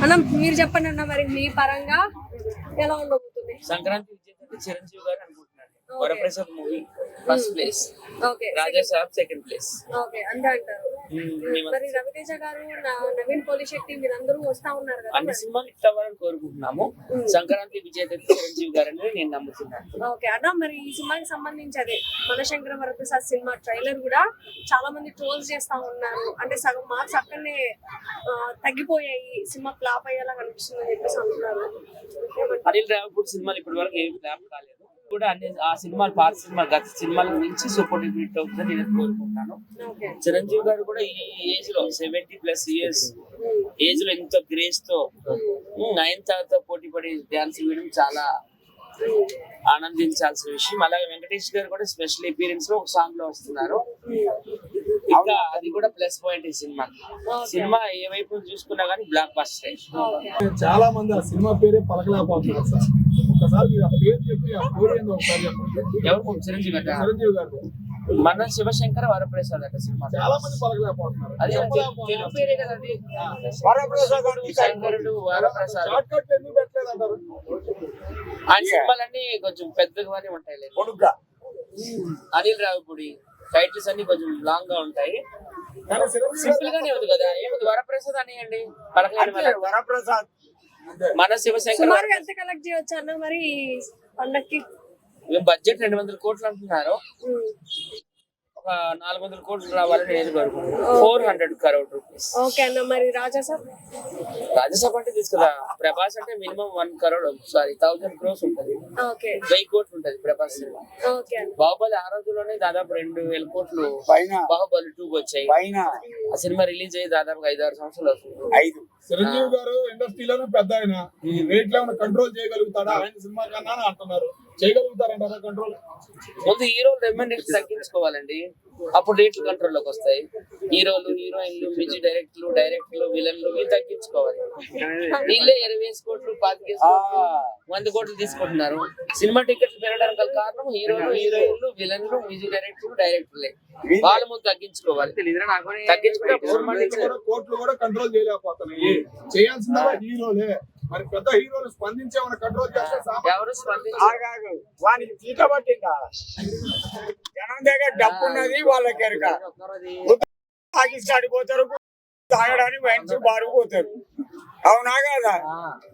అన్న మీరు చెప్పండి అన్న, మరి మీ పరంగా ఎలా ఉండబోతుంది? సంక్రాంతి విజేత చిరంజీవి గారు అనుకుంటున్నాను. Varaprasad movie first place, okay, Raja Saab second place. Okay అంతే అంటారు. మరి రవితేజ గారు, నవీన్ పోలిశెట్టి మీరందరూ వస్తా ఉన్నారు కదా, అన్ని సినిమాలు హిట్ అవ్వాలని కోరుకుంటున్నాము. సంక్రాంతి విజేత చిరంజీవి గారు అని నేను నమ్ముతున్నాను. ఓకే అన్న, మరి ఈ సినిమాకి సంబంధించి అదే మనశంకర వరప్రసాద్ సినిమా ట్రైలర్ కూడా చాలా మంది ట్రోల్స్ చేస్తా ఉన్నారు. అంటే సగం మార్క్స్ అక్కడనే తగ్గిపోయాయి, సినిమా ఫ్లాప్ అయ్యేలా కనిపిస్తుంది అని చెప్పేసి అంటున్నారు. అనిల్ రావిపూడి సినిమాలు ఇప్పటి వరకు ఏమి ఫ్లాప్ కాలేదు కూడా. అన్ని ఆ సినిమాలు పాత సినిమాలు గత సినిమాల నుంచి సూపర్ హిట్ అవుతుందని నేను కోరుకుంటున్నాను. చిరంజీవి గారు కూడా ఈ ఏజ్ లో 70+ ఇయర్స్ ఏజ్ లో ఎంతో గ్రేస్ తో నయనతారతో పోటీ పడి డాన్స్ వేయడం చాలా ఆనందించాల్సిన విషయం. అలాగే వెంకటేష్ గారు కూడా స్పెషల్ అపీరెన్స్ లో ఒక సాంగ్ లో వస్తున్నారు. ఇంకా అది కూడా ప్లస్ పాయింట్ ఈ సినిమా. సినిమా ఏ వైపు చూసుకున్నా గానీ బ్లాక్ బస్టర్. చాలా మంది ఆ సినిమా పేరే పలకలేకపోతున్నారు సార్. ఒకసారి మీరు ఆ పేరు చెప్పి ఆ స్టోరీ ఏందో ఒకసారి చెప్పండి. ఎవరు? చిరంజీవి గారు. చిరంజీవి గారు మన శివశంకర వరప్రసాద్ అట సినిమా. చాలా మంది పలకలేకపోతున్నారు. అదే తెలుగు పేరే కదా అది. వరప్రసాద్ శంకరుడు వరప్రసాద్. షార్ట్ కట్ ఎందుకు పెట్టలేదు అంటారు? ఆ సినిమాలన్నీ కొంచెం పెద్దగానే ఉంటాయి. అనిల్ రావిపూడి టైటిల్స్ అన్ని కొంచెం లాంగ్ గా ఉంటాయి. సింపుల్ గానే ఉంది కదా. ఏముంది వరప్రసాద్ అనియండి, పలకలేదు. వరప్రసాద్ మన శివశంకర్. సుమారు ఎంత కలెక్ట్ చేయవచ్చు అన్న మరి పండక్కి? బడ్జెట్ 200 కోట్లు అంటున్నారు. ఒక 400 కోట్లు రావాలని నేను కోరుకుంటున్నాను. 400 crore rupees. ఓకే అన్న, మరి రాజాసాబ్? రాజ్యసభ అంటే తీసుకురా. ప్రభాస్ అంటే మినిమం 1 crore, సారీ 1000 crores ఉంటుంది. ఓకే, 1000 కోట్లు ఉంటుంది ప్రభాస్ సినిమా. ఓకే. బాహుబలి ఆ రోజుల్లోనే దాదాపు 2000 కోట్లు బాహుబలి 2 వచ్చాయి. ఆ సినిమా రిలీజ్ అయ్యి దాదాపు 5-6 సంవత్సరాలు అవుతుంది. చిరంజీవి గారు ఇండస్ట్రీలోనే పెద్ద ఆయన. ఈ రేట్లు ఏమైనా కంట్రోల్ చేయగలుగుతాడా? ఆయన సినిమా కన్నా అంటున్నారు. చేయగలుగుతారంటారా కంట్రోల్? ముందు హీరోలు రెమ్యూనరేట్ తగ్గించుకోవాలండి, అప్పుడు రేట్లు కంట్రోల్ లోకి వస్తాయి. హీరోలు, హీరోయిన్లు, మ్యూజిక్ డైరెక్టర్లు, విలన్లు వీళ్ళు తగ్గించుకోవాలి. వీళ్ళే 20 కోట్లు 25 కోట్లు 100 కోట్లు తీసుకుంటున్నారు. సినిమా టికెట్లు పెరగడానికి గల కారణం హీరోలు, హీరోయిన్లు, విలన్లు, మ్యూజిక్ డైరెక్టర్లే. వాళ్ళ ముందు తగ్గించుకోవాలి. తగ్గించుకుంటే కోట్లు కూడా కంట్రోల్ చేయలేకపోతున్నాయి. చేయాల్సిన హీరోలే. మరి పెద్ద హీరోలు స్పందించి ఏమైనా కంట్రోల్ చేస్తే ఎవరు స్పందించారు? వానికి తీట పట్టిందా? జనం దగ్గర డబ్బు ఉన్నది వాళ్ళకి ఎరక. పాకిస్తాన్ పోతారు, తాగడానికి వైన్స్ బారు పోతారు. అవునా కదా?